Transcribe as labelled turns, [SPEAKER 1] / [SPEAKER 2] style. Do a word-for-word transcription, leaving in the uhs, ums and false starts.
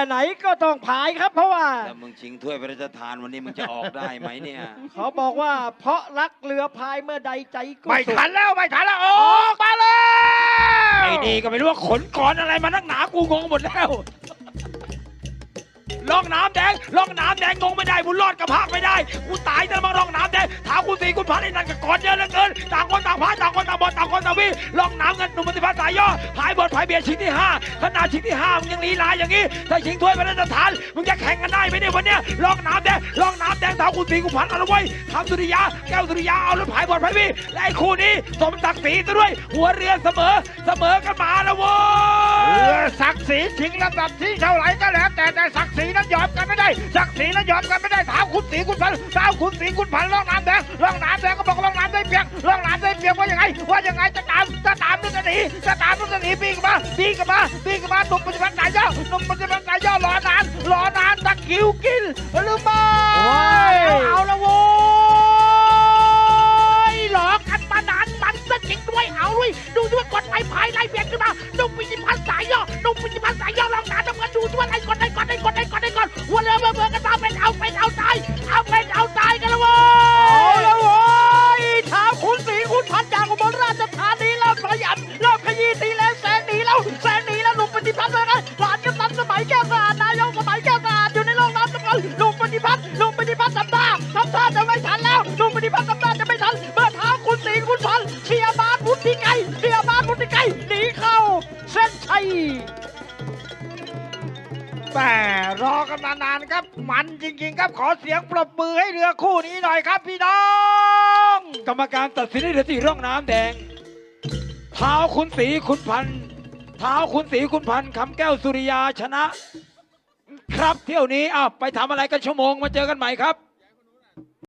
[SPEAKER 1] ไหนก็ต้องผายครับเพราะว่า
[SPEAKER 2] แต่มึงชิงถ้วยพระราชทานวันนี้มึงจะออกได้ไหมเนี่ย
[SPEAKER 1] เขาบอกว่าเพราะรักเรือพายเมื่อใดใจก็
[SPEAKER 3] ไม่
[SPEAKER 1] สุข
[SPEAKER 3] ทันแล้วไม่ทันแล้วออกมาเลย
[SPEAKER 2] ไอ้นี่ก็ไม่รู้ว่าขนก้อนอะไรมานักหนากูงงหมดแล้วล่องน้ำแดงล่องน้ำแดงงงไม่ได้บุญรอดกระพากไม่ได้กูตายจะมาล่องน้ำแดงถามกูสีกูพันไอ้นั่นกับก้อนเยอะเหลือเกินต่างคนต่างพายต่างคนต่างบอลต่างคนต่างวิ่งล่องน้ำเงินหนุ่มปฏิภาณสายย่อพายบอลพายเบียร์ชิงที่ห้าขนาดชิงที่ห้ามึงยังลีลาอย่างนี้ถ้าชิงถ้วยพระราชทานมึงจะแข่งกันได้ไหมเนี่ยวันเนี้ยล่องน้ำแดงล่องน้ำแดงถามกูสีกูพันเอาละเว้ยทำสุริยาแก้วสุริยาเอาแล้วพายบอลพายวิ่งและไอ้คู่นี้สมศักดิ์ศรีซะด้วยหัวเรือเสมอเสมอกันมาแล้วเว้
[SPEAKER 3] เรื
[SPEAKER 2] ย
[SPEAKER 3] อศักดิ์ศรีชิงลำดับที่เท่าไหร่ก็แล้วแต่แต่ศักดิ์ศรีนั้นยอมกันไม่ได้ศักดิ์ศรีนั้นยอมกันไม่ได้ถามคุณศรีคุณพันถามคุณศรีคุณพันล่องน้ำแดงล่องน้ำแดงก็บอกล่องน้ำได้เพียงล่องน้ำได้เพียงว่ายังไงว่ายังไงจะตามจะตามนึกจะหนีจะตามนึกจะหนีปีกมาปีกมาปีกมาหนุ่มปฏิบัติสายย่อหนุ่มปฏิบัติสายย่อรอนานรอนานตะคิวกินหรือไม่เอาละโว้ยหลอกกันมานานมันซะจริงด้วยเอาด้วยดูด้วยกดไม้พายไล่เบียดขึ้นมาหนุ่มปฏิบัติสายย่อหนุ่มปฏิบัติสายย่อลองน้ำน้ำเงินดูด้วยไล่กดไล่กดไล่กดไล่กดไล่กดหัวเรือเบื่อเบื่อกันมาเป็นเอาเป็นเอาตายเอาเป็นเอาตายกันละโว้
[SPEAKER 1] เอา
[SPEAKER 3] ย
[SPEAKER 1] ละโว้ยท้าวคุณศรีคุณพันจากอุบลราชธานีแล้วขยันรอบขยี้ตีแล้วแสงหนีแล้วแสงหนีแล้วหนุ่มปฏิพัฒน์เลยนะหลานกำนันสมัยแก้วสะอาดนายกสมัยแก้วสะอาดอยู่ในโลกน้ำสำคัญหนุ่มปฏิพัฒน์หนุ่มปฏิพัฒน์ทำท่าทำท่าจะไม่ทันแล้วหนุ่มปฏิพัฒน์ทำท่าจะไม่ทันเมื่อท้าวคุณศรีคุณพันเชียร์บาสพุทธิไกรเชียร์บาสพุทธิไกรหนีเข้าเส้นชัย
[SPEAKER 3] แต่รอกันมานานครับมันจริงๆครับขอเสียงปรบมือให้เรือคู่นี้หน่อยครับพี่น้อง
[SPEAKER 2] กรรมการตัดสินให้เรือที่ร่องน้ำแดงเท้าคุณศรีคุณพันธ์เท้าคุณศรีคุณพันธ์คำแก้วสุริยาชนะ ครับเที่ยวนี้อ้าวไปทำอะไรกันชั่วโมงมาเจอกันใหม่ครับ